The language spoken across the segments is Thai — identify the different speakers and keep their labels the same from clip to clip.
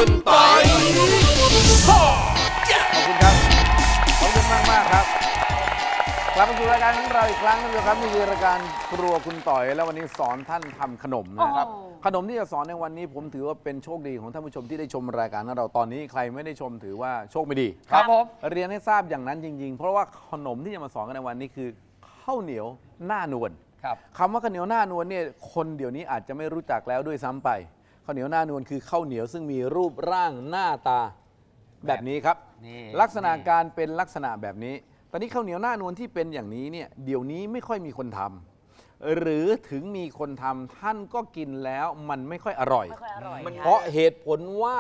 Speaker 1: คุณปอย
Speaker 2: ขอบคุณครับขอบคุณมากครับกลับมาสู่รายการของเราอีกครั้งนึงครับนี่คือรายการครัวคุณต่อยแล้ววันนี้สอนท่านทำขนมนะครับขนมที่จะสอนในวันนี้ผมถือว่าเป็นโชคดีของท่านผู้ชมที่ได้ชมรายการของเราตอนนี้ใครไม่ได้ชมถือว่าโชคไม่ดี
Speaker 3: ครับผม
Speaker 2: เรียนให้ทราบอย่างนั้นจริงๆเพราะว่าขนมที่จะมาสอนกันในวันนี้คือข้าวเหนียวหน้านวล
Speaker 3: ครับ
Speaker 2: คำว่าข้าวเหนียวหน้านวลเนี่ยคนเดี๋ยวนี้อาจจะไม่รู้จักแล้วด้วยซ้ำไปข้าวเหนียวหน้านวลคือข้าวเหนียวซึ่งมีรูปร่างหน้าตาแบบนี้ครับ
Speaker 3: นี่
Speaker 2: ลักษณะการเป็นลักษณะแบบนี้ ตอนนี้ข้าวเหนียวหน้านวลที่เป็นอย่างนี้เนี่ยเดี๋ยวนี้ไม่ค่อยมีคนทำหรือถึงมีคนทำท่านก็กินแล้วมันไม่ค่อยอร่อย เพราะเหตุผลว่า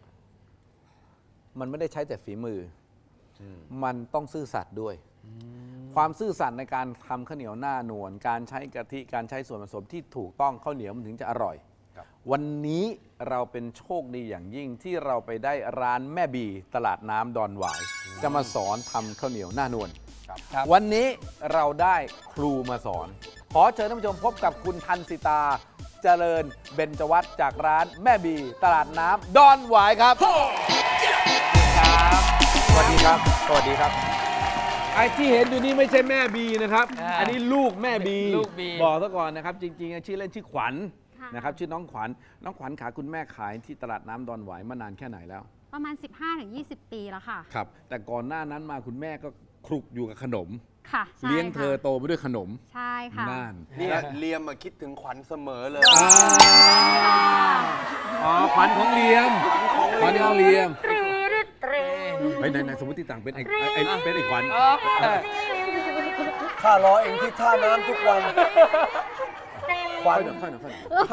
Speaker 2: มันไม่ได้ใช้แต่ฝีมืออมันต้องซื่อสัตย์ด้วย ความซื่อสัตย์ในการทำข้าวเหนียวหน้านวลการใช้กะทิการใช้ส่วนผสมที่ถูกต้องข้าวเหนียวมันถึงจะอร่อย วันนี้เราเป็นโชคดีอย่างยิ่งที่เราไปได้ร้านแม่บีตลาดน้ำดอนหวาย จะมาสอนทำข้าวเหนียวหน้านวล
Speaker 3: ครับ
Speaker 2: วันนี้เราได้ครูมาสอน ขอเชิญท่านผู้ชมพบกับคุณทันสิตาเจริญเบญจวัฒน์จากร้านแม่บีตลาดน้ำดอนหวายครับสวัสดีครับสวัสดีครับไอ้ที่เห็นอยู่นี่ไม่ใช่แม่บีนะครับ อันนี้ลูกแม่บี
Speaker 3: ลูกบี
Speaker 2: บอกซะก่อนนะครับจริงๆชื่อเล่นชื่อขวัญนะครับชื่อน้องขวัญขาคุณแม่ขายที่ตลาดน้ำดอนหวายมานานแค่ไหนแล้ว
Speaker 4: ประมาณ 15-20 ปีแล้วค่ะ
Speaker 2: ครับแต่ก่อนหน้านั้นมาคุณแม่ก็คลุกอยู่กับขนม
Speaker 4: ค่ะใช่
Speaker 2: เลี้ยงเธอ
Speaker 4: ค่ะ
Speaker 2: โตไปด้วยขนม
Speaker 4: ใช่ค่ะ
Speaker 2: น่าน
Speaker 1: เนี่ยเลียมมาคิดถึงขวัญเสมอเลย
Speaker 2: อ๋อขวัญของเลียมขวัญของเลียมไปไหนสมมติต่างเป็นไอ้เป็นไอ้ขวัญ
Speaker 1: ข้ารอเองที่ท่าน้ำทุกวันขวัญ
Speaker 2: ค่อยหน่อย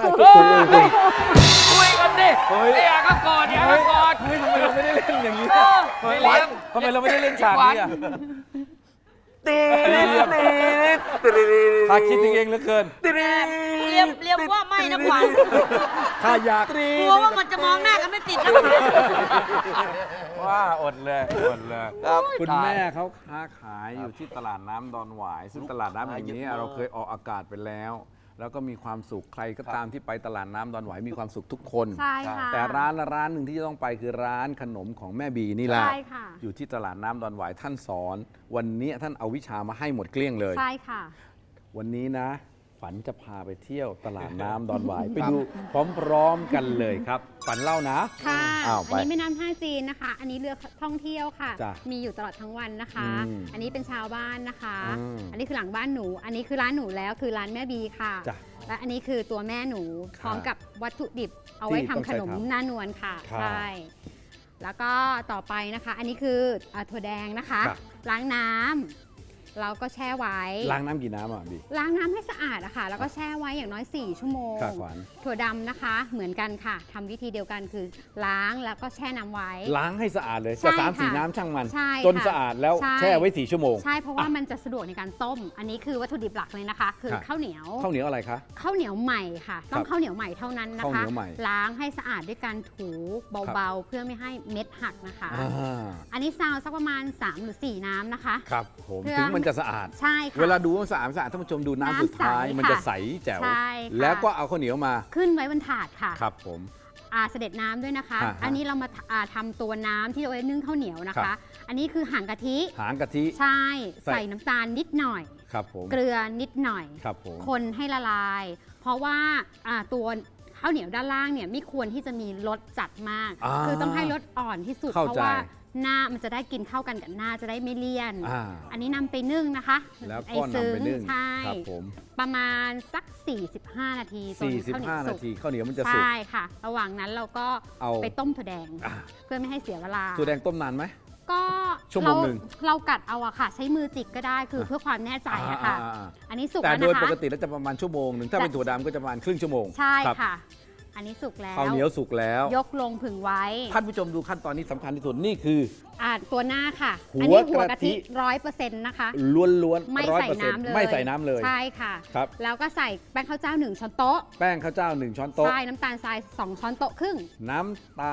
Speaker 3: คุยกันดิ
Speaker 2: เฮ้ย
Speaker 3: ไอ้อาก็กอดเนี่ยก็กอด
Speaker 2: เฮ้ยทำไมเราไม่ได้เล่นอย่างนี้
Speaker 3: ไม่เลี้ยง
Speaker 2: ทำไมเราไม่ได้เล่นฉากนี้อ่ะ
Speaker 1: ตีด
Speaker 2: ข้าคิดถึงเองเหลือเกิน
Speaker 5: เรียมว่าไม่นะขวัญ
Speaker 2: ข้าอยาก
Speaker 5: กลัวว่ามันจะมองหน้ากันไม่ติดนะ
Speaker 2: ว่าอดเลย
Speaker 1: ครับ
Speaker 2: คุณแม่เขาค้าขายอยู่ที่ตลาดน้ำดอนหวาย ซึ่งตลาดน้ำแห่งนี้เราเคยออกอากาศไปแล้ว แล้วก็มีความสุขใครก็ตามที่ไปตลาดน้ำดอนหวายมีความสุขทุกคน
Speaker 4: ใช่ค่ะ
Speaker 2: แต่ร้านหนึ่งที่จะต้องไปคือร้านขนมของแม่บีนี่แหละ
Speaker 4: ใช่ค่ะ
Speaker 2: อยู่ที่ตลาดน้ำดอนหวายท่านสอน วันนี้ท่านเอาวิชามาให้หมดเกลี้ยงเลย
Speaker 4: ใช่ค่ะ
Speaker 2: วันนี้นะฝันจะพาไปเที่ยวตลาดน้ำดอนหวาย ไปดูพร้อมๆกันเลยครับฝันเล่านะ
Speaker 4: ค่ะ
Speaker 2: อ้าว
Speaker 4: อันนี้แม่น้ำท่าจีนนะคะ อันนี้เรือท่องเที่ยวค่ะ
Speaker 2: จ้ะ
Speaker 4: มีอยู่ตลอดทั้งวันนะคะ
Speaker 2: อืม
Speaker 4: อันนี้เป็นชาวบ้านนะคะ
Speaker 2: อืม
Speaker 4: อันนี้คือหลังบ้านหนู อันนี้คือร้านหนูแล้วคือร้านแม่บีค่ะ
Speaker 2: จ้ะ
Speaker 4: และอันนี้คือตัวแม่หนู
Speaker 2: ค่ะ
Speaker 4: พร้อมกับวัตถุดิบเอาไว้
Speaker 2: ที่
Speaker 4: ทำ
Speaker 2: ต้อง
Speaker 4: ข
Speaker 2: ใช้
Speaker 4: นม
Speaker 2: ทำ
Speaker 4: หน้านวลค่ะ
Speaker 2: ครับ
Speaker 4: ใช่ แล้วก็ต่อไปนะคะ อันนี้คือถั่วแดงนะคะ
Speaker 2: ครับ
Speaker 4: ล้างน้ำเราก็แช่ไว้
Speaker 2: ล้างน้ำกี่น้ำอ่ะบี
Speaker 4: ล้างน้ำให้สะอาดอะค่ะ แล้วก็แช่ไว้อย่างน้อย 4 ชั่วโมง
Speaker 2: ค่ะขวัญ
Speaker 4: ถั่วดำนะคะ เหมือนกันค่ะทำวิธีเดียวกันคือล้างแล้วก็แช่น้ำไว้
Speaker 2: ล้างให้สะอาดเลย
Speaker 4: ใช่
Speaker 2: จะ3-4
Speaker 4: ค่ะ
Speaker 2: น้ำช่างมัน
Speaker 4: ใช่
Speaker 2: จน
Speaker 4: ค่ะ
Speaker 2: สะอาดแล้ว
Speaker 4: ใช่
Speaker 2: แช่ไว้ 4 ชั่วโมง
Speaker 4: ใช่เพราะว่ามันจะสะดวกในการต้ม อันนี้คือวัตถุดิบหลักเลยนะคะ คือ
Speaker 2: ครับ
Speaker 4: ข้าวเหนียว
Speaker 2: ข้าวเหนียวอะไรคะ
Speaker 4: ข้าวเหนียวใหม่ค่ะ ต้องข้าวเหนียวใหม่เท่านั้นนะ
Speaker 2: ข้าวเห
Speaker 4: คะ
Speaker 2: นียวใหม่
Speaker 4: ล้างให้สะอาดด้วยการถูเบาๆ เพื่อไม่ให้เม็ดหักนะคะ
Speaker 2: อ่า
Speaker 4: อันนี้ซาวสักประมาณ 3 หรือ 4 น้ำนะคะ
Speaker 2: ครับผม
Speaker 4: เพื่อ
Speaker 2: ถึงมันจะสะอาด
Speaker 4: ใช่ค่ะ
Speaker 2: เวลาดูว่าสะอาดท่านผู้ชมดูน้ำสุดท้าย
Speaker 4: น้ำใส
Speaker 2: มันจะ
Speaker 4: ค่ะ
Speaker 2: ใสแจ๋ว
Speaker 4: ใช่ค่ะ
Speaker 2: แล้วก็เอาข้าวเหนียวมา
Speaker 4: ขึ้นไว้บนถาดค่ะ
Speaker 2: ครับผม
Speaker 4: เสด็จน้ำด้วยนะคะ
Speaker 2: ฮะ
Speaker 4: อันนี้เรามาทำตัวน้ำที่เอาไว้นึ่งข้าวเหนียวนะ
Speaker 2: ครั
Speaker 4: คะ
Speaker 2: บ
Speaker 4: อันนี้คือหางกะทิ
Speaker 2: หางกะทิ
Speaker 4: ใช่
Speaker 2: ใส่
Speaker 4: ใส่น้ำตาลนิดหน่อย
Speaker 2: ครับผม
Speaker 4: เกลือนิดหน่อย
Speaker 2: ครับผม
Speaker 4: คนให้ละลาย เพราะว่าตัวข้าวเหนียวด้านล่างเนี่ยไม่ควรที่จะมีรสจัดมาก คือต้องให้รสอ่อนที่สุด
Speaker 2: เข้า
Speaker 4: เพราะ
Speaker 2: ใจ
Speaker 4: ว่าหน้ามันจะได้กินเข้ากันกับหน้าจะได้ไม่เลี่ยน
Speaker 2: อ่า
Speaker 4: อันนี้นำไปนึ่งนะคะ
Speaker 2: แล้วก็
Speaker 4: ไอ้ซึ้
Speaker 2: นำไปนึ่ง
Speaker 4: ใช่
Speaker 2: ครับผม
Speaker 4: ประมาณสัก 45 นาทีจนข้าวเหนียว
Speaker 2: 45 นา
Speaker 4: สุก
Speaker 2: ทีข้าวเหนียวมันจะสุก
Speaker 4: ใช่ค่ะ ระหว่างนั้นเราก็
Speaker 2: เอา
Speaker 4: ไปต้มถั่วแดง
Speaker 2: อ่า
Speaker 4: เพื่อไม่ให้เสียเวลา
Speaker 2: ถั่วแดงต้มนานไหม
Speaker 4: ก็
Speaker 2: ชั่วโมงหนึ่ง
Speaker 4: เรากัดเอาอะค่ะ ใช้มือจิกก็ได้คือเพื่อความแน่ใจอะค่ะ
Speaker 2: อ่า
Speaker 4: อันนี้สุก
Speaker 2: แต่
Speaker 4: แล้ว
Speaker 2: โดย
Speaker 4: นะ
Speaker 2: ป
Speaker 4: คะ
Speaker 2: กติแล้วจะประมาณชั่วโมงหนึ่งถ้าเป็นถั่วดำก็จะประมาณครึ่งชั่วโมง
Speaker 4: ใช่
Speaker 2: รับ
Speaker 4: ค่ะ อันนี้สุกแล้ว
Speaker 2: ข้าวเหนียวสุกแล้ว
Speaker 4: ยกลงผึ่งไว้
Speaker 2: ท่านผู้ชมดูขั้นตอนนี้สำคัญที่สุดนี่คือ
Speaker 4: ตัวหน้าค่ะ
Speaker 2: หัว
Speaker 4: อันี้หัว
Speaker 2: กะ
Speaker 4: กะ
Speaker 2: ทิ
Speaker 4: ทิ100%นะคะ
Speaker 2: ล้วนๆ
Speaker 4: ไม่ใส่น้ำเลย
Speaker 2: ไม่ใส่น้ำเลย
Speaker 4: ใช่ค่ะ
Speaker 2: ครับ
Speaker 4: แล้วก็ใส่แป้งข้าวเจ้า1 ช้อนโต๊ะ
Speaker 2: แป้งข้าวเจ้า1 ช้อนโต๊ะ
Speaker 4: ใช่น้ำตาลทราย2 ช้อนโต๊ะครึ่ง
Speaker 2: น้ำตาล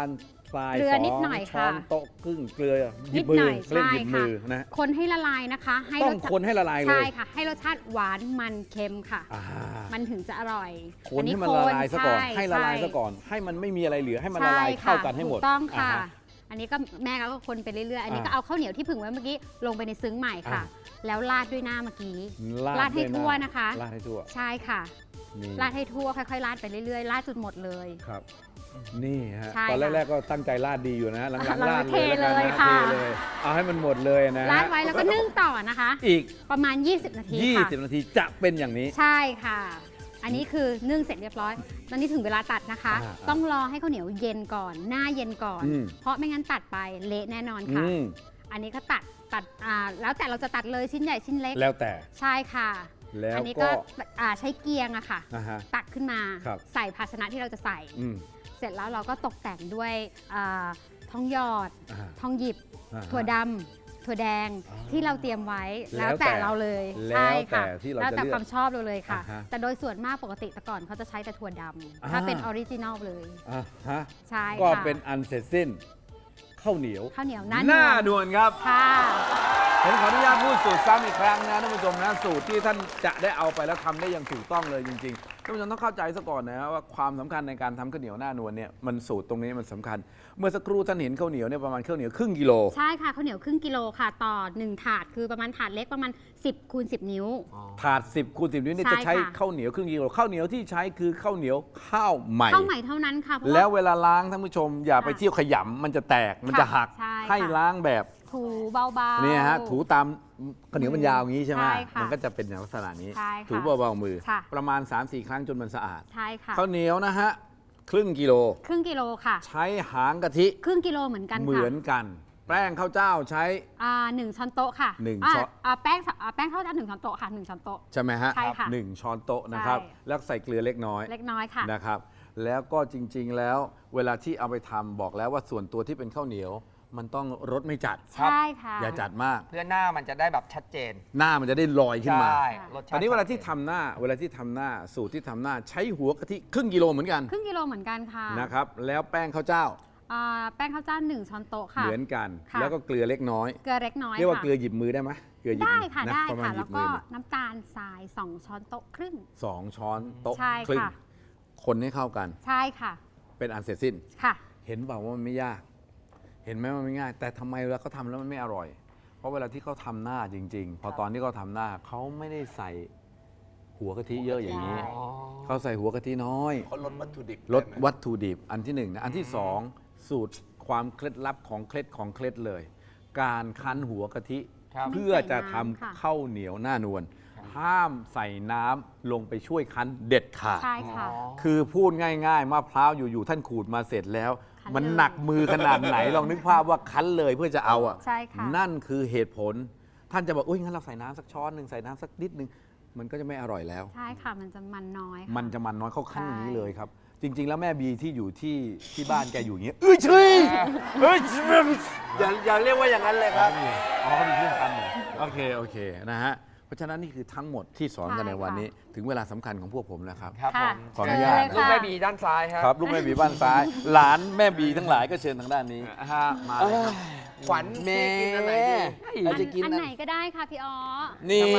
Speaker 2: ทราย
Speaker 4: เกลือ
Speaker 2: สง
Speaker 4: นิดหน่อย
Speaker 2: ช้อน
Speaker 4: ค่ะ
Speaker 2: โต๊ะครึ่งเกลือหยิ
Speaker 4: นิ
Speaker 2: บ
Speaker 4: ด
Speaker 2: มื
Speaker 4: ห
Speaker 2: อ
Speaker 4: น่อย
Speaker 2: เล่น
Speaker 4: ใช่
Speaker 2: หยิบ
Speaker 4: ค่ะ
Speaker 2: มือนะ
Speaker 4: คนให้ละลายนะคะ ให้
Speaker 2: ต้
Speaker 4: ร
Speaker 2: อง
Speaker 4: สชาติ
Speaker 2: คนให้ละลายเลย
Speaker 4: ใช่ค่ะ ให้รสชาติหวานมันเค็มค่ะ
Speaker 2: อ่า
Speaker 4: มันถึงจะอร่อย
Speaker 2: คนให้มันละลายซะก่อน
Speaker 4: ช่
Speaker 2: ให้ละลาย
Speaker 4: ช่
Speaker 2: ซะก่อน ให้มันไม่มีอะไรเหลือให้มันละลาย
Speaker 4: ใช่
Speaker 2: เข้ากันให้หมด
Speaker 4: ถูกต้องค่ะ
Speaker 2: าฮ
Speaker 4: อันนี้ก็แม่ก็คนไปเรื่อยๆ อันนี้ก็
Speaker 2: อ่า
Speaker 4: เอาข้าวเหนียวที่ผึ่งไว้เมื่อกี้ลงไปในซึ้งใหม่ค่ะ แล้วราดด้วยหน้าเมื่อกี้ ราดให้
Speaker 2: ด้วย
Speaker 4: ทั่วนะคะ
Speaker 2: ราดให้ทั่ว
Speaker 4: ใช่ค่ะ
Speaker 2: นี่
Speaker 4: ราดให้ทั่วค่อยๆราดไปเรื่อยๆราดจนหมดเลย
Speaker 2: ครับ นี่ฮะ
Speaker 4: ใช่
Speaker 2: ตอน
Speaker 4: ค่ะ
Speaker 2: แรกๆก็ตั้งใจราดดีอยู่นะหลัง
Speaker 4: เรา
Speaker 2: ๆราด
Speaker 4: เท
Speaker 2: เลยแล้วกัน
Speaker 4: เลย
Speaker 2: นะ
Speaker 4: ค่ะ
Speaker 2: เทเลยเอาให้มันหมดเลยนะ
Speaker 4: ราดไว้แล้วก็นึ่งต่อนะคะ
Speaker 2: อีก
Speaker 4: ประมาณ 20 นาทีค่ะ
Speaker 2: 20 นาทีจะเป็นอย่างนี้
Speaker 4: ใช่ค่ะ อันนี้คือนึ่งเสร็จเรียบร้อย ตอนนี้ถึงเวลาตัดนะคะ
Speaker 2: อ่า
Speaker 4: ต้องรอให้ข้าวเหนียวเย็นก่อน หน้าเย็นก่อน
Speaker 2: อืม
Speaker 4: เพราะไม่งั้นตัดไปเละแน่นอน
Speaker 2: อื
Speaker 4: ค่ะ
Speaker 2: ม
Speaker 4: อันนี้ก็ตัดแล้วแต่เราจะตัดเลยชิ้นใหญ่ชิ้นเล็ก
Speaker 2: แล้วแต่
Speaker 4: ใช่ค่ะ
Speaker 2: แล้ว
Speaker 4: อันี้
Speaker 2: ก็
Speaker 4: ก็ใช้เกียงอะค่ะ
Speaker 2: อ่าฮะ
Speaker 4: ตักขึ้นมา
Speaker 2: ครับ
Speaker 4: ใส่ภาชนะที่เราจะใส่
Speaker 2: อืม
Speaker 4: เสร็จแล้วเราก็ตกแต่งด้วยทองหยอด
Speaker 2: อ่า
Speaker 4: ทองหยิบ
Speaker 2: อ่าฮะ
Speaker 4: ถั่วดำถั่วแดง
Speaker 2: อ่า
Speaker 4: ที่เราเตรียมไว้
Speaker 2: แล้
Speaker 4: แล้ว ว
Speaker 2: แต่
Speaker 4: แต่เราเลย
Speaker 2: แล้ว
Speaker 4: ใช่ค่ะ
Speaker 2: แต่ที่เรา
Speaker 4: แล้ว
Speaker 2: จะ
Speaker 4: แต่
Speaker 2: เลือก
Speaker 4: ความชอบเราเลยค่ะ
Speaker 2: อ่าฮะ
Speaker 4: แต่โดยส่วนมากปกติแต่ก่อนเขาจะใช้แต่ถั่วดำ
Speaker 2: อ่า
Speaker 4: ถ้าเป็นออริจินอลเลย
Speaker 2: อ่าฮะ
Speaker 4: ใช่
Speaker 2: ก็
Speaker 4: ค่ะ
Speaker 2: เป็นอันเสร็จสิ้นข้าวเหนียว
Speaker 4: ข้าวเหนียว
Speaker 2: ห
Speaker 4: หน้า
Speaker 2: น้า
Speaker 4: วน
Speaker 2: นวลครับ
Speaker 4: ค่ะ
Speaker 2: ผมขออนุญาตพูดสูตรซ้ำอีกครั้งนะท่านผู้ชมนะสูตรที่ท่านจะได้เอาไปแล้วทำได้อย่างถูกต้องเลยจริงๆท่านผู้ชมต้องเข้าใจซะก่อนนะว่าความสำคัญในการทำข้าวเหนียวหน้านวลเนี่ยมันสูตรตรงนี้มันสำคัญ เมื่อสักครู่ท่านเห็นข้าวเหนียวเนี่ยประมาณข้าวเหนียวครึ่งกิโล
Speaker 4: ใช่ค่ะข้าวเหนียวครึ่งกิโลค่ะต่อ1ถาดคือประมาณถาดเล็กประมาณ 10 คูณ 10 นิ้ว
Speaker 2: ถาด 10 คูณ 10 นิ้วเนี่ย
Speaker 4: ใช่
Speaker 2: จะใช้
Speaker 4: ค่ะ
Speaker 2: ข้าวเหนียวครึ่งกิโลข้าวเหนียวที่ใช้คือข้าวเหนียวข้าวใหม่
Speaker 4: ข้าวใหม่เท่านั้นค่ะเพราะ
Speaker 2: แล้ว
Speaker 4: ว่า
Speaker 2: เวลาล้างท่านผู้ชมอย่าไปเที่ยวขยำมันจะแตกมันจะหัก
Speaker 4: ใช่ค่ะ
Speaker 2: ให้ล้างแบบ
Speaker 4: ถูเบาๆ
Speaker 2: เนี่ยฮะถูตามข้าวเหนียวมันยาวอย่างนี้ใช่ไหม
Speaker 4: ใช่ค่ะ
Speaker 2: มันก็จะเป็นอย่างลักษณะนี้
Speaker 4: ใช่ค่ะ
Speaker 2: ถูเบาๆมือ
Speaker 4: ค่ะ
Speaker 2: ประมาณ 3-4 ครั้งจนมันสะอาด
Speaker 4: ใช่ค่ะ
Speaker 2: ข้าวเหนียวนะฮะครึ่งกิโล
Speaker 4: ครึ่งกิโลค่ะ
Speaker 2: ใช้หางกะทิ
Speaker 4: ครึ่งกิโลเหมือนกันค่ะ
Speaker 2: เหมือนกัน แป้งข้าวเจ้าใช้
Speaker 4: 1 ช้อนโต๊ะค่ะ
Speaker 2: หนึ่ง
Speaker 4: อ่า
Speaker 2: ช้อน
Speaker 4: แป้งข้าวเจ้า1 ช้อนโต๊ะค่ะ1 ช้อนโต๊ะ
Speaker 2: ใช่ไหมฮะ
Speaker 4: ใช่ค่ะ
Speaker 2: 1 ช้อนโต๊ะนะครับ
Speaker 4: ใช่
Speaker 2: แล้วใส่เกลือเล็กน้อย
Speaker 4: เล็กน้อยค่ะ
Speaker 2: นะครับแล้วก็จริงๆแล้วเวลาที่เอาไปทำบอกแล้วว่าส่วนตัวที่เป็นข้าวเหนียว มันต้องรสไม่จัด
Speaker 4: ใช่ค่ะ
Speaker 2: อย่าจัดมาก
Speaker 3: เพื่อหน้ามันจะได้แบบชัดเจน
Speaker 2: หน้ามันจะได้ลอยขึ้นมา
Speaker 3: ใช่รสชาติ
Speaker 2: ตอนนี้เวลาที่ทำหน้าสูตรที่ทำหน้าใช้หัวกะทิครึ่งกิโลเหมือนกัน
Speaker 4: ครึ่งกิโลเหมือนกันค่ะ
Speaker 2: นะครับแล้วแป้งข้าวเจ้า
Speaker 4: แป้งข้าวเจ้า1 ช้อนโต๊ะค่ะ
Speaker 2: เหมือนกัน
Speaker 4: ค่ะ
Speaker 2: แล้วก็เกลือเล็กน้อย
Speaker 4: เกลือเล็กน้อย
Speaker 2: เรียกว่า
Speaker 4: ค่ะ
Speaker 2: เกลือหยิบมือได้ไหมเกลือหยิบ
Speaker 4: ได้
Speaker 2: มือ
Speaker 4: ค่ะ
Speaker 2: นะ
Speaker 4: ได้
Speaker 2: ประมาณ
Speaker 4: ค่ะ
Speaker 2: หยิ
Speaker 4: แล้ว
Speaker 2: บมื
Speaker 4: ก็
Speaker 2: อ
Speaker 4: น้ำตาลทราย2 ช้อนโต๊ะครึ่ง
Speaker 2: 2 ช้อนโต๊ะ
Speaker 4: ใช่
Speaker 2: ครึ่ง
Speaker 4: ค่ะ
Speaker 2: คนให้เข้ากัน
Speaker 4: ใช่ค่ะ
Speaker 2: เป็นอันเสร็จสิ้น
Speaker 4: ค่ะ
Speaker 2: เห็นเปล่าว่ามันไม่ยาก เห็นไหมว่ามันไม่ง่าย แต่ทำไมเวลาเขาทำแล้วมันไม่อร่อย เพราะเวลาที่เขาทำหน้าจริง ๆ พอตอนที่เขาทำหน้าเขาไม่ได้ใส่หัวกะทิเยอะอย่างนี้ เขาใส่หัวกะทิน้อย
Speaker 1: เขาลดวัตถุดิบ
Speaker 2: ลด
Speaker 1: ได้ไหม
Speaker 2: วัตถุดิบอันที่หนึ่งนะอันที่สองสูตรความเคล็ดลับของเคล็ดเลย การคั้นหัวกะทิ
Speaker 3: ครับ
Speaker 2: เพื่อจะทำ
Speaker 4: ไม่ใส่น้ำค่ะ
Speaker 2: ข้าวเหนียวหน้านวลห้ามใส่น้ำลงไปช่วยคั้นเด็ดขาด
Speaker 4: ใช่ค่ะ
Speaker 2: คือพูดง่ายๆมะพร้าวอยู่ๆท่านขูดมาเสร็จแล้ว
Speaker 4: คั้น
Speaker 2: มัน
Speaker 4: เลย
Speaker 2: หนักมือขนาดไหน ลองนึกภาพว่าคั้นเลยเพื่อจะเอาอ่ะ
Speaker 4: ใช่ค่ะ
Speaker 2: นั่นคือเหตุผล ท่านจะบอกอุ้ยงั้นเราใส่น้ำสักช้อนหนึ่งใส่น้ำสักนิดนึงมันก็จะไม่อร่อยแล้ว
Speaker 4: ใช่ค่ะ มันจะมันน้อยค่ะ
Speaker 2: มันจะมันน้อยเขาคั้นอย่างนี้
Speaker 4: ใช่
Speaker 2: เลยครับ จริง ๆ แล้วแม่บีที่อยู่ที่บ้านแกอยู่อย่างเงี้ยเอ้ยช่วยเอ้ย
Speaker 1: อย่าเรียกว่าอย่างนั้นเลยครับ
Speaker 2: อ๋อเขามีเครื่องคั้นเหรอโอเคนะฮะเพราะฉะนั้นนี่คือทั้งหมดที่สอนกันในวันนี้ ถึงเวลาสำคัญของพวกผมแล้วครับ
Speaker 3: ครับผ
Speaker 4: ค่ะ
Speaker 3: ม
Speaker 2: ขออนุญาต
Speaker 3: ลูกแม่บีด้านซ้ายครับ
Speaker 2: ครับลูกแม่บีบ้านซ้าย หลานแม่บีทั้งหลายก็เชิญทางด้านนี้
Speaker 3: ฮะมาเลยครับ
Speaker 1: ขวัญ
Speaker 2: แม่
Speaker 1: พี่กินอันไหนดี
Speaker 2: เราจะกิน
Speaker 4: อันไหนก็ได้ค่ะพี่อ๋อ
Speaker 2: นี่
Speaker 3: ทำไม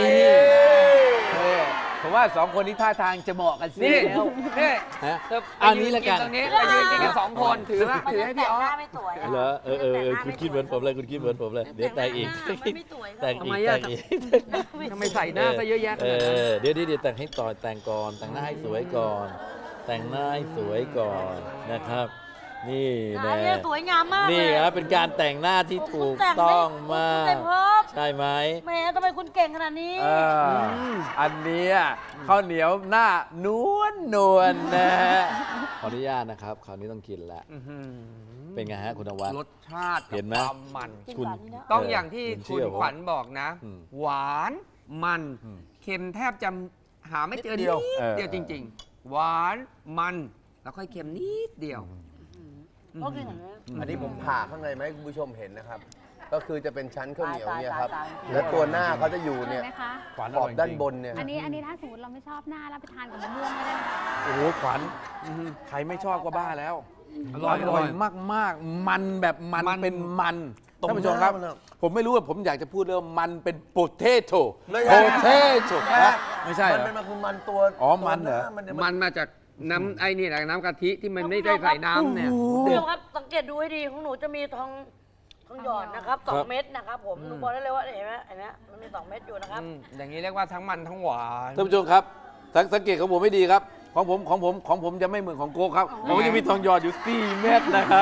Speaker 2: ผมว่าสองคนนี้ท่าทางจะเหมาะกันสิ
Speaker 3: นี่นี่
Speaker 2: ฮะ
Speaker 3: เธอ
Speaker 2: อันนี้ละกัน
Speaker 3: ตรงนี้ไปยืนกินกันสองคนถือว่าถือให้พี่อ๋อ
Speaker 5: หน้าไม่สวยะ
Speaker 2: เหรอคุณคิดเหมือนผมเลยคุณคิดเหมือนผมเลยเดี๋ยวแต่งอีก
Speaker 5: หน้ามันไม่สวย
Speaker 2: แต่ง
Speaker 3: ทำ
Speaker 2: อี
Speaker 3: ไม
Speaker 2: ก
Speaker 3: อะ
Speaker 2: แต่งอีก
Speaker 3: ทำไมใส่หน้าซะเยอะแยะขนาดนั้น
Speaker 2: เดี๋ยวแต่งให้ต่อแต่งก่อนแต่งหน้าให้สวยก่อน แต่งหน้าให้สวยก่อนนะครับ นี่
Speaker 5: หน้า
Speaker 2: นะ
Speaker 5: เนี่ยสวยงามมากเลย
Speaker 2: นี่ครับเป็นการแต่งหน้าที่ถูก
Speaker 5: คุณแต่ได้
Speaker 2: ต้องมาก
Speaker 5: คุณแต่งเพิ่ม
Speaker 2: ใช่ไหม
Speaker 5: แหมทำไมคุณเก่งขนาดนี้
Speaker 2: อันเนี้ยข้าวเหนียวหน้านวลนะฮะขออนุญาตนะครับคราวนี้ต้องกินแล้ว
Speaker 3: อื้อหือ
Speaker 2: เป็นไงฮะคุณนวัด
Speaker 3: รสชาติกับ
Speaker 2: เห็นไหม
Speaker 3: ความมัน
Speaker 5: กิน
Speaker 2: คุณ
Speaker 5: หวานนี่นะ
Speaker 3: ต้องอย่างที่
Speaker 2: คุณเชื่
Speaker 3: คุณ
Speaker 2: อผม
Speaker 3: ขวัญบอกนะ
Speaker 2: อืม
Speaker 3: หวานมัน
Speaker 2: อืม
Speaker 3: เค็มแทบจะหาไม่เจอ
Speaker 1: นิ
Speaker 3: นิ
Speaker 1: ด
Speaker 3: ด
Speaker 1: เดียว
Speaker 3: เดียวจริง ๆ หวานมันแล้วค่อยเค็มนิดเดียว
Speaker 5: ก็คืออย่างนี้
Speaker 1: อันนี้ผมผ่าข้างในไหมาให้คุณผู้ชมเห็นนะครับ ก็คือจะเป็นชั้นข้าวเหนียวเนี่ยครับ
Speaker 5: ตาย
Speaker 1: แล้วตัวหน้าเขาจะอยู่เนี่ย
Speaker 4: ไหมคะ
Speaker 2: ขวัญ
Speaker 1: ขอบ
Speaker 2: ร่ย
Speaker 1: ด้าน
Speaker 2: จริง
Speaker 1: บนเนี่ย
Speaker 4: อันนี้ถ้าสมมติเราไม่ชอบหน้าแล้วไปทานกับมะม่วงก็ได้นะคะ
Speaker 2: โอ้โหขวัญใครไม่ชอบก็บ้าแล้ว
Speaker 3: อร่อย
Speaker 2: อร่อยมากๆ มันแบบมัน
Speaker 3: มัน
Speaker 2: เป็นมัน
Speaker 1: ตรง
Speaker 2: ท่านผู้ชมครับ
Speaker 1: หน้ามันอะ
Speaker 2: ผมไม่รู้ว่าผมอยากจะพูดเรื่องมันเป็นโปเทโต้
Speaker 1: ไม่
Speaker 2: โป
Speaker 1: ใช่
Speaker 2: เทโต้
Speaker 1: แม่
Speaker 2: ไม่ใช่เหร
Speaker 1: มัน
Speaker 2: อ
Speaker 1: เป็นมันคือมันตัว
Speaker 2: อ๋อมันเหรอ
Speaker 1: ตัวา
Speaker 3: มันมาจากน้ำไอ้นี่แหละน้ำกะทิที่มันไม่ได้ใส่น้ำเนี่ย
Speaker 5: คุณผู้ชมครับสังเกตดูให้ดีของหนูจะมีทองหยอดนะครับสองเม็ดนะครับผมหนูบอกได้เลยว่าเห็นไหมมันมี2 เม็ดอยู่นะครับ
Speaker 3: อย่างนี้เรียกว่าทั้งมันทั้งหวาน
Speaker 2: ท่านผู้ชมครับสังเกตของผมไม่ดีครับ ของผมจะไม่เหมือนของโกครับของผมจะมีทองหยอดอยู่ 4 เม็ดนะครับ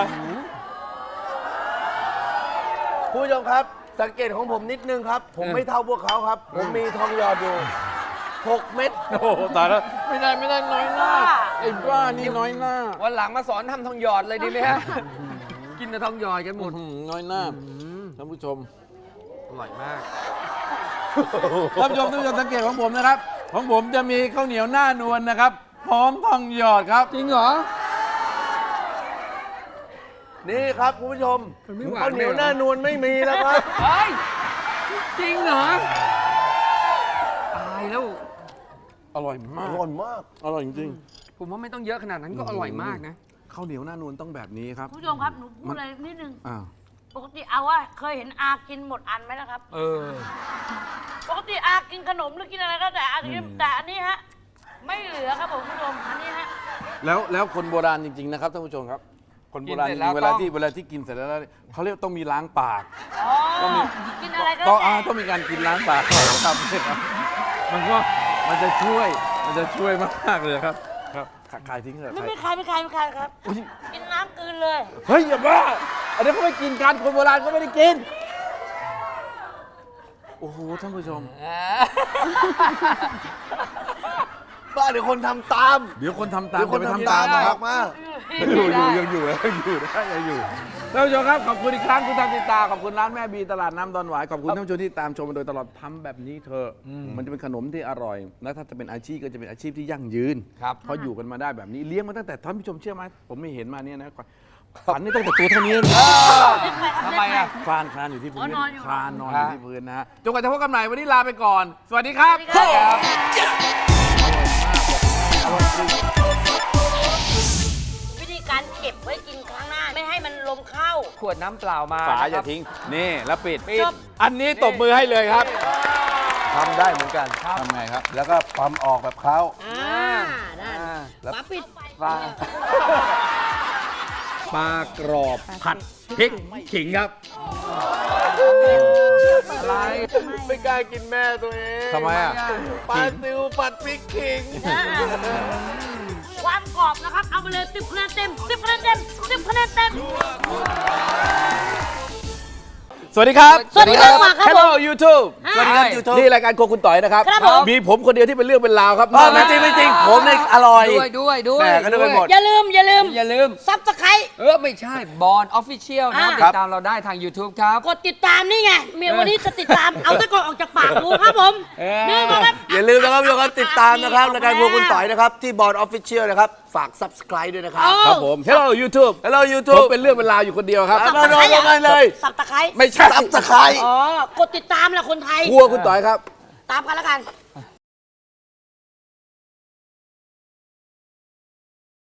Speaker 1: คุณผู้ชมครับ สังเกตของผมนิดนึงครับ ผมไม่เท่าพวกเขาครับ ผมมีทองหยอดอยู่6 เม็ด
Speaker 2: โอ้โหตายแล้วไม่ได้น้อยหน้าไอ้บ้านี่น้อยหน้า
Speaker 3: วันหลังมาสอนทำทองหยอดเลยดีไหมฮะ กินแต่ทองหยอดกันหมด
Speaker 2: น้อยหน้าท่านผู้ชม
Speaker 3: อร่อยมาก
Speaker 2: ท่านผู้ชมสังเกตของผมนะครับ ของผมจะมีข้าวเหนียวหน้านวลนะครับพร้อมทองหยอดครับจริงเหรอ
Speaker 1: นี่ครับคุณผู้ชม
Speaker 3: มันไม่หวาน
Speaker 1: ข้าวเหนียว
Speaker 3: เลยเหรอ
Speaker 1: หน้านวลไม่มีแล้วครับ
Speaker 3: เฮ้ย จริงเหรอ ตายแล้ว
Speaker 2: อร่อย
Speaker 1: อ
Speaker 2: มาก
Speaker 1: ร่อยมาก
Speaker 2: อร่อยจริง
Speaker 3: ผมว่าไม่ต้องเยอะขนาดนั้นก็อร่อยมากนะ
Speaker 2: ๆข้าวเหนียวหน้านวลต้องแบบนี้ครับ
Speaker 5: คุณผู้ชมครับหนูพูดอะไรนิดนึง
Speaker 2: อ้าว
Speaker 5: ปกติเอาว่าเคยเห็นอากินหมดอันไหมนะครับ
Speaker 3: เออ
Speaker 5: ปกติอากินขนมหรือกินอะไรก็แต่อันนี้แต่อันนี้ฮะไม่เหลือครับผมคุณผู้ชมอันนี้ฮะ
Speaker 2: แล้วคนโบราณจริงๆนะครับท่านผู้ชมครับ คนโบราณ
Speaker 3: กิน
Speaker 2: จ
Speaker 3: เสร็จแล้ว
Speaker 2: ริงๆเวลาที่กินเสร็จแล้วเขาเรียกต้องมีล้างปาก
Speaker 5: อ๋อกินอะไรก็
Speaker 2: ต้อง
Speaker 5: แต่
Speaker 2: ต้องมีการกินล้างปากก่อนนะครับมันจะช่วยมากๆเลยครับครับขายทิ้งเถอะ
Speaker 5: ไม่คายครับ กินน้ำกลืนเลย
Speaker 2: เฮ้ยอย่าบ้าอันนี้เขาไม่กินกันคนโบราณเขาไม่ได้กินโอ้โหท่านผู้ชม
Speaker 1: บ้าเดี๋ยวคนทำตาม
Speaker 2: เดี๋ยวคนทำตาม
Speaker 1: เดี๋ยวคน
Speaker 2: จะไป
Speaker 1: ทำตาม
Speaker 2: นะ
Speaker 1: นะ
Speaker 2: ค
Speaker 1: ค
Speaker 2: รั
Speaker 1: รั
Speaker 2: บบ
Speaker 1: มา
Speaker 2: ยังอยู่ท่านผู้ชมครับขอบคุณอีกครั้งคุณทำติดตาขอบคุณร้านแม่บีตลาดน้ำดอนหวายขอบคุณท่านผู้ชมที่ตามชมมาโดยตลอดทำแบบนี้เธอะมันจะเป็นขนมที่อร่อยและถ้าจะเป็นอาชีพก็จะเป็นอาชีพที่ยั่งยืน
Speaker 3: ครับ
Speaker 2: เพราะอยู่กันมาได้แบบนี้เลี้ยงมาตั้งแต่ท่านผู้ชมเชื่อไหมผมไม่เห็นมาเนี่ยนะฝันนี่ตั้งแต่ตัวเท่านี้เลย
Speaker 3: ทำไมอ่ะ
Speaker 2: คลานอยู่ที่พื้น
Speaker 5: นอนอยู่
Speaker 2: คลานนอนอยู่ที่พื้นนะฮะจนกว่าจะพบกันใหม่วันนี้ลาไปก่อน สวัสดีครับ
Speaker 5: วิธีการเก็บไว้กินครั้งหน้า ไม่ให้มันลมเข้า
Speaker 3: ขวดน้ำเปล่ามา
Speaker 2: ฝา
Speaker 3: นะ
Speaker 2: อ
Speaker 3: ครั
Speaker 2: ย่า
Speaker 3: บ
Speaker 2: ทิ้ง นี่แล้วปิด
Speaker 3: ปิด
Speaker 2: อันนี้ตบมือให้เลยครับ
Speaker 1: ทำได้เหมือนกัน
Speaker 2: ทำไงครับ
Speaker 1: แล้วก็ปั๊มออกแบบเขา
Speaker 5: ได้
Speaker 1: แล้ว
Speaker 5: ฝาปิด
Speaker 3: ปลาปลากรอบผัดพริกขิงครับ อะไร
Speaker 1: ไม่กล้ากินแม่ตัวเอง
Speaker 2: ทำไมอ่ะ
Speaker 1: ปลาซิวผัดพริกขิง
Speaker 5: ความกรอบนะครับ เอาไปเลย10 คะแนนเต็ม 10 คะแนนเต็ม 10 คะแนนเต็ม
Speaker 2: สวัสดีครับ
Speaker 5: สวัสดีครับมาครับผม
Speaker 2: Hello YouTube
Speaker 5: สวัสดีครับ
Speaker 1: YouTube
Speaker 2: นี่รายการโครัวคุณต่อยนะครับ
Speaker 5: ครับผม
Speaker 2: มีผมคนเดียวที่เป็นเรื่องเป็นราวครับ
Speaker 1: ไม่จริงไม่จริงผมเนี่ยอร่อย
Speaker 3: ด้วย
Speaker 1: แม่ก็นึกไปหมด
Speaker 5: อย่าลืม
Speaker 3: อย่าลืม
Speaker 5: ซับสไครต์
Speaker 3: ไม่ใช่บอลออฟฟิเชียลนะครับ
Speaker 5: อ่า
Speaker 3: ติดตามเราได้ทาง YouTube ครับ
Speaker 5: กดติดตามนี่ไงเมียวันนี้จะติดตาม เอาตะกอนออกจากปากดูครับผม นี่มาครับ
Speaker 1: อย่าลืมนะครับทุกคนติดตามนะครับรายการพวกคุณต่อยนะครับ ที่บอร์ดออฟฟิเชียลนะครับ ฝาก subscribe ด้วยนะครับ
Speaker 2: ครับผม Hello YouTube
Speaker 1: Hello
Speaker 2: ผม
Speaker 1: YouTube
Speaker 2: เป็นเรื่องเป็นราวอยู่คนเดียวครับ
Speaker 1: มาลงกันเลย
Speaker 5: สับตะไคร้
Speaker 2: ไม่ใช่
Speaker 1: subscribe
Speaker 5: อ๋อ กดติดตามแหละคนไทย
Speaker 2: ครัวคุณต่อยครับ
Speaker 5: ตามกันแล้วกัน